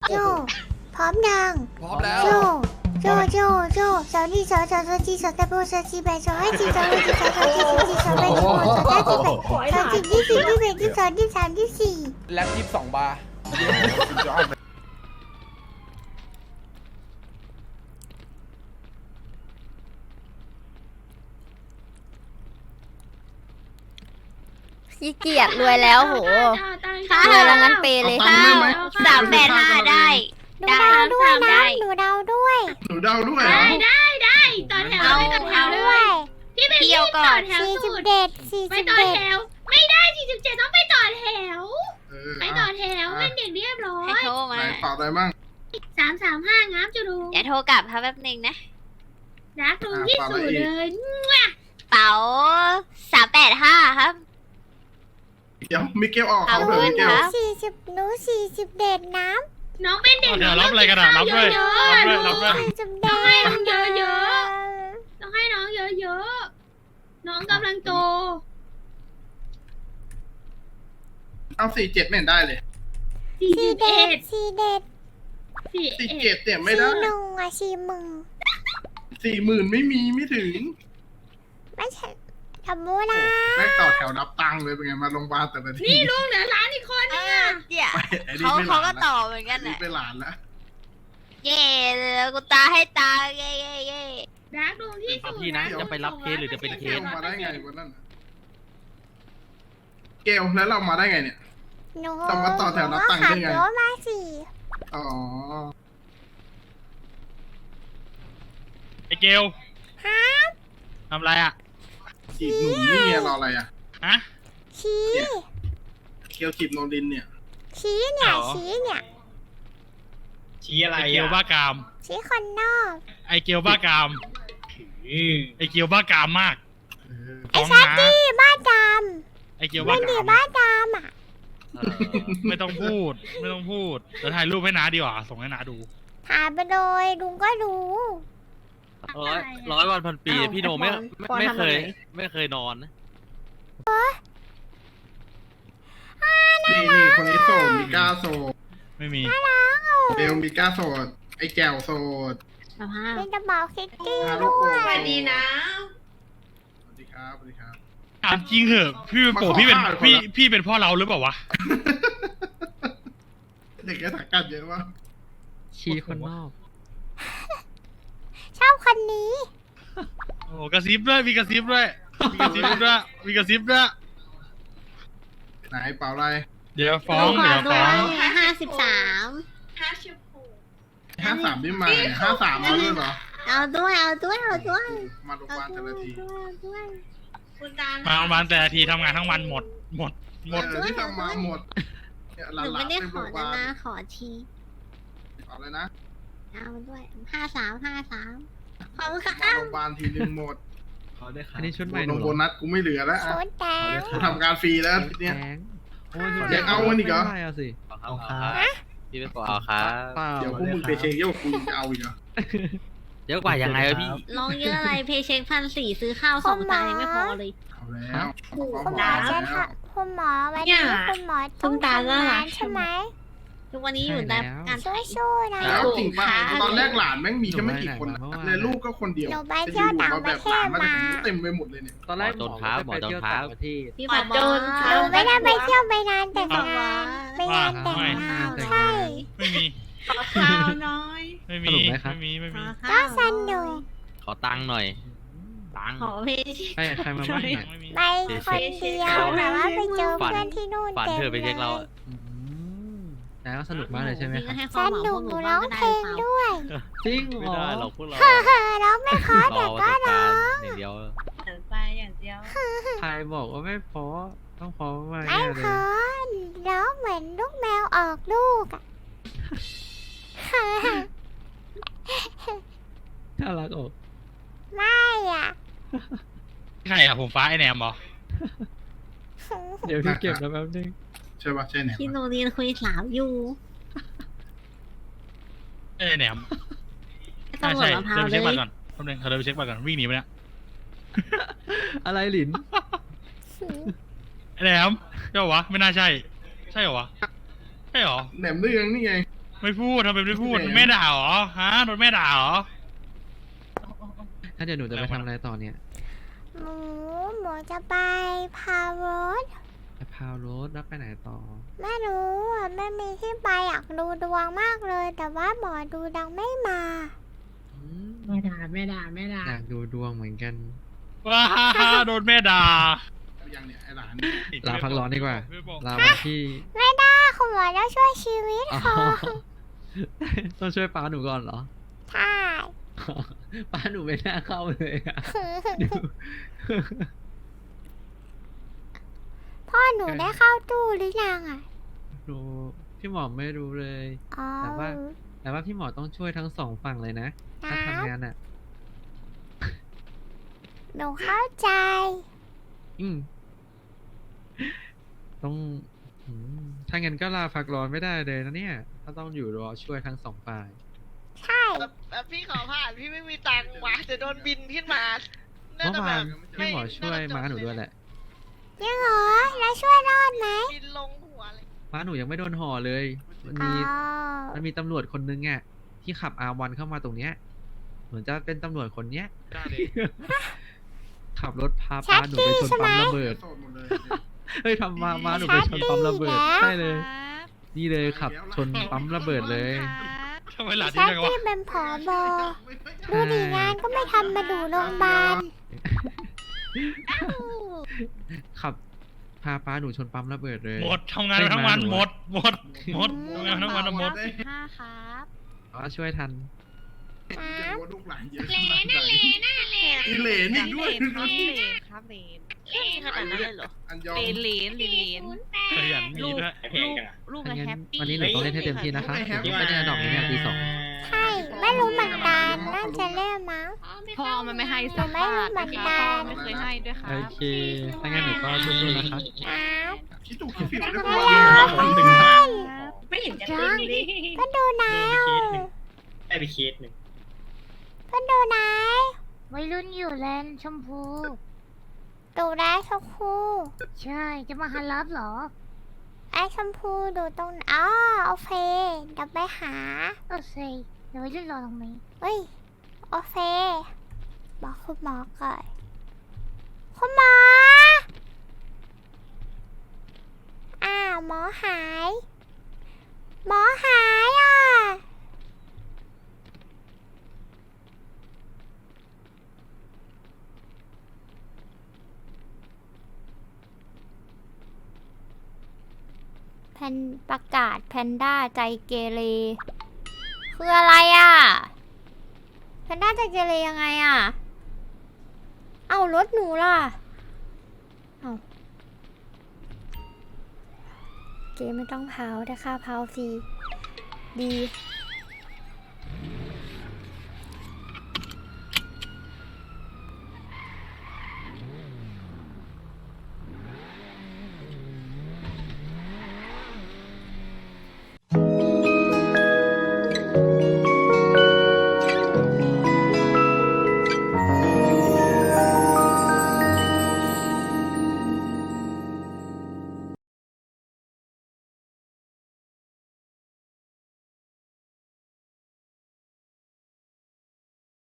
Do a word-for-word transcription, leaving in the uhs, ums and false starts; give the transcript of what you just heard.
โจพร้อมยังพร้อมแล้วโจโจโจโจสาวนี่สาวสาวสาวจีสาวตะโบสาวจีแบสาวให้จีสาวให้จีสาวสาวจีสาวจีสาวแบสาวสาวจีแบสาวจีที่สี่ที่แปดที่สองที่สามที่สี่แล็บยี่สิบสองบาร์ขี้เกียจรวยแล้วโหรวยแล้วงั้นเปเลยเอาตังค์ได้ไหมสามแปดห้าได้หนูเดาด้วยนะหนูเดาด้วยหนูเดาด้วยเหรได้อได้ได้ต่อแถวเอาไม่ต่อแถวด้ด้ววยยพี่เป็นเที่พี่ยวก่ต่ออน แถวสี่สิสุบดเด็ดสี่ไม่สิบต่อเด็ดแถวไม่ได้สี่สิบเจ็ดต้องไปต่อแถวเออไปต่อแถวเป็นเด็กเรียบร้อให้ยโทรไหนมาตอบอะไรบ้างสามสามห้างับจะดูอย่าโทรกลับครับแป๊บนึงนะรักลุงที่สุดเลยเป๋าสามแปดห้าครับเดี๋ยวมิเกลออกเอาเขาเถอะมิเกลเงินนะสี่สิบหนูสี่สิบเด็ดน้น้องเป็นเด็กเดี๋ยวรับอะไรกันอ่ะรับด้วยเยอะรับด้วยรับด้วยำสี่สิบเด็ดๆให้น้องเยอะๆต้องให้น้องเยอะๆน้องกำลังโตเอาสี่เจ็ดไม่เห็นได้เลยสี่สี่สิบเด็เอ็ดดสี่เด็ดสี่สี่เอ็เจ็ดดเนี่ยไม่สี่ได้หนึ่งอะสี่มึงสี่หมื่นไม่มีไม่ถึงไม่ใช่ทำมูนะแม่งต่อแถวนับตังค์เลยเป็นไงมาโรงพยาบาลแต่ละทีนี่ลุงเหลือร้านอีกคนเอนึงออ่ะเดี๋ยวไอ้นี่เขาไม่หเขาลานก็แล้วต่อเหมือนกันนี่แหละไปหลานแล้วเย่เลยกูตาให้ตาเย่เย่เย่รักลุงที่สุดพี่นะจะไปรับเคสหรือจะเป็นเคเกลสมาได้ไงวันนั้นน่ะเกลแล้วเรามาได้ไงเนี่ยหนูต้องมาต่อแถวนับตังค์ได้ไงขับรถมาสี่อ๋อไอเกลฮะทำไรอ่ะจีบหนุ่มนี่ไงรออะไรอ่ะฮะชี้เกลจีบโนรินเนี่ยชี้เนี่ยเหรอชี้เนี่ยชี้อะไรไอเกลอ่ะบ้ากามชี้คนนอกไอเกลบ้ากามไอเกลบ้ากามมากเออไอ้ฟ้องชัดนะดี้บ้าดไอเกลำบ้าไม่ดีกามบ้าดำอ่ะไม่ต้องพูด ไม่ต้องพูดเดี๋ยวถ่ายรูปให้น้าดีกว่าส่งให้น้าดูถามไปเลยลุงก็รู้ร้อยร้อยวันพันปีพี่โนไม่ไม่ไม่เคย ไม่เคยนอนนะนี่นี่คนนี้โสดมีก้าโสดไม่มีเบลมีก้าโสดไอ้แก้วโสดสภาพเป็นกระเป๋าคิตตี้ฮารุด้โกะวยสวัสดีนะสวัสดีครับสวัสดีครับถามจริงเหอะพี่เป็นโปพี่เป็นมาขอข้าวพี่คนละพี่เป็นพ่อเราหรือเปล่าวะเด็กแกถักกันเยอะวะชี้คนนอกชอบคนนี้โอ้กระซิบด้วยมีกระซิบด้วยมีกระซิบด้วยมีกระซิบด้วยไหนเปล่าอะไรเดี๋ยวฟ้องเดี๋ยวฟ้องห้าสิบสามห้าสามที่มาห้าสามมาด้วยเหรอเอาด้วยเอาด้วยเอาด้วยมาโรงพยาบาลแต่ละทีด้วยคุณตามาโรงพยาบาลแต่ละทีทำงานทั้งวันหมด หมด หมดเออที่ทำมาหมดเนี่ยหหนูลานไม่ๆได้เต็มขโรองพยาบาลนะขอทีเอาเลยนะเอาด้วยห้าสามห้าสามขอบคุณค่ะมาโรงพยาบาลทีนึงหมดอันนี้ชุดใหม่โบนโบนัสกูไม่เหลือแล้วโคอะตรแดงกูทำงานฟรีแล้วทีเนี้ยโอ้ยอยากเอาอันนี้เหรอไม่ได้เอาสิเอาครับพี่เป็นปอเอาครับเดี๋ยวพวกมึงไปเช็คเยอะกว่ากูจะเอาอีกเหรอเยอะกว่ายังไงวะพี่ลองเยอะอะไรเพย์เช็คพันสี่ซื้อข้าวสองจานยังไม่พอเลยเอาแล้วคุณหมอจะทำคุณหมอวันนี้คุณหมอต้องทำงานใช่ไหมทุกวันนี้อยู่แต่การสู้ๆนะแล้วจริงป่ะตอนแรกหลานแม่งมีแค่ไม่กี่คนเลยลูกก็คนเดียวหนูไปเที่ยวต่างประเทศมาเต็มไปหมดเลยเนี่ยตอนแรกหมอโดนท้าหมอโดนท้าประเทศพี่ผอโจรหนูไม่ได้ไปเที่ยวไปงานแต่งงานไปงานแต่งงานใช่ไม่มีข้าวน้อยไม่มี ไม่มี ไม่มีก็สนุกขอตังค์หน่อย ตังค์ขอเพย์เช็คใครใครมาบ้างเนี่ยไม่มีไปคนเดียวแต่ว่าไปเจอเพื่อนที่นู่นฝันเต็มเธอไปเลเช็คเรายอะอืมแต่ก็สนุกมากเลยใช่ไหมครับให้คสวามหวังนุพกวกหหนูนูร้บ้าอง งก็เพได้ลงเปล่าด้วยจริงไม่เหรอได้หรอกพวกเราเฮ้อร้องไม่เพอรแต่อก็ประสบร้กาอรณ์งอย่างเดียวไปอย่างเดียวใครบอกว่าไม่พอต้องพอมากไม่แน่เพเลยอร้องเหมือนลูกแมวออกลูกอะน่ารักอกไม่อ่ะใครอะผมฟ้าไอแหนมเหรอเดี๋ยวพี่เก็บแล้วแป๊บนึงใช่ป่ะใช่เนี่ยพี่โนเรียนคุยสาวอยู่ไอแหนมไม่ใช่ต้องหมใช่ดมะพร้าเดิวน เลไปเช็คบัตรก่อย นแป๊บนึงเขาเดินไปเช็คบัตรก่อนวิ่งหนีไปเนี่ยอะไรหลินไอแหนมใช่เหรอวะ ไม่น่าใช่ ใช่เหรอวะ ใช่เหรอแหนมเรื่องนี่ไงไม่พูดทำไมไม่พูดแม่ด่าเหรอฮะโดนแม่ด่าเหรอถ้าเดี๋ยวหนูจะไปทำอะไรต่อเนี่ยหมูหมูจะไปพารถไปพาวรถแล้วไปไหนต่อไม่รู้อ่ะไม่มีที่ไปอยากดูดวงมากเลย แต่ว่าหมอดูดังไม่มาอืมแม่ด่าแม่ด่าแม่ด่าอยากดูดวงเหมือนกันว้าโดนแม่ด่ายังเนี่ยไอ้หลานลาพักร้อนดีกว่าไม่บอกลาวันที่ไม่ได้คุณหมอต้องช่วยชีวิตอ๋อเขาต้องช่วยป้าหนูก่อนเหรอใช่ป้าหนูไม่น่าเข้าเลยอะดูพ่อหนูได้เข้าตู้หรือยังอ่ะหนูพี่หมอไม่รู้เลยอ๋อแต่ว่า แต่ว่าพี่หมอต้องช่วยทั้งสองฝั่งเลยนะ ถ้าทำงานอ่ะหนูเข้าใจอืมต้องอืมถ้างั้นก็ลาพักร้อนไม่ได้เลยนะเนี่ย ถ้าต้องอยู่รอช่วยทั้งสองฝ่ายใช่แบบพี่ขอผ่านพี่ไม่มีตังค์วะจะโดนบินขึ้นมาน่าเมื่อจะแบวานบพี่หมอช่วยม้าหนูด้วยแหละยังเหรอ แล้วช่วยรอดไหมบินลงหัวเลยม้าหนูยังไม่โดนห่อเลย มันอ๋มีอมันมีตำรวจคนนึงอ่ะที่ขับอาวันเข้ามาตรงเนี้ย เหมือนจะเป็นตำรวจคนเนี้ยด่าดิขับรถพาป้าหนูไปชนปั๊มระเบิดโสดหมดเลยเฮ้ยทำมาม้าหนูไปชนปั๊มระเบิดใช่เลย นี่เลยขับชนปั๊มระเบิดเลยทำไมหลานแชที่ทจังวะที่เป็นผอบอดูดีงานก็ไม่ทำมาดูโรงพยาบาลขับพาป้าหนูชนปั๊มระเบิดเลยหมดทำงานมาทั้งวันหมดหมดหมดทำงานทั้งวันหมดห้าครับอ๋อช่วยทันจะรู้ว่าลูกหลานเยอะเลน่ะเลน่ะเลน่ะอีเหลนอีกด้วยครับเลนครับเลนขนาดนั้นเลยเหรออันยองเลนเลนเลนเลนศูนย์แปขดยันมีด้วยลูกลูกถ้าอะงั้แฮนปปี้วันนี้หนูต้องเล่นให้เต็มที่นะคะเดี๋ยวไม่ได้ดอกนี้เนี่ยตีสองใช่ ไม่รู้เหมือนกันน่าจะเล่นมั้งพ่อมันไม่ให้สักบาทนะคะพ่อไม่เคยให้ด้วยครัโอบ เค ถ้างั้นหนูก็สู้ๆนะคะครับคิดถูกคิดผิดด้วยไม่ว่าเอาไม่ใช่ไม่เห็นจะตึงเลยก็ดูนายได้ไปเคสหนึ่งก็ดูนายวัยรุ่นอยู่แลนด์ชมพูดูได้ชมพูใช่ จะมาฮันรับเหรอไอ้ชมพูดูตรงอ๋อโอเคเดี๋ยวไปหาโอเคเดี๋ยววัยรุ่นรอตรงนี้เฮ้ยโอเคบอกคุณหมอก่อนคุณหมออ้าวหมอหาย หมอหายอ่ะแพนประกาศแพนด้าใจเกเรคืออะไรอ่ะ แพนด้าใจเกเรยังไงอ่ะ เอารถหนูล่ะ เอาเกไม่ต้องเผาแต่ค่าเผาฟรีดี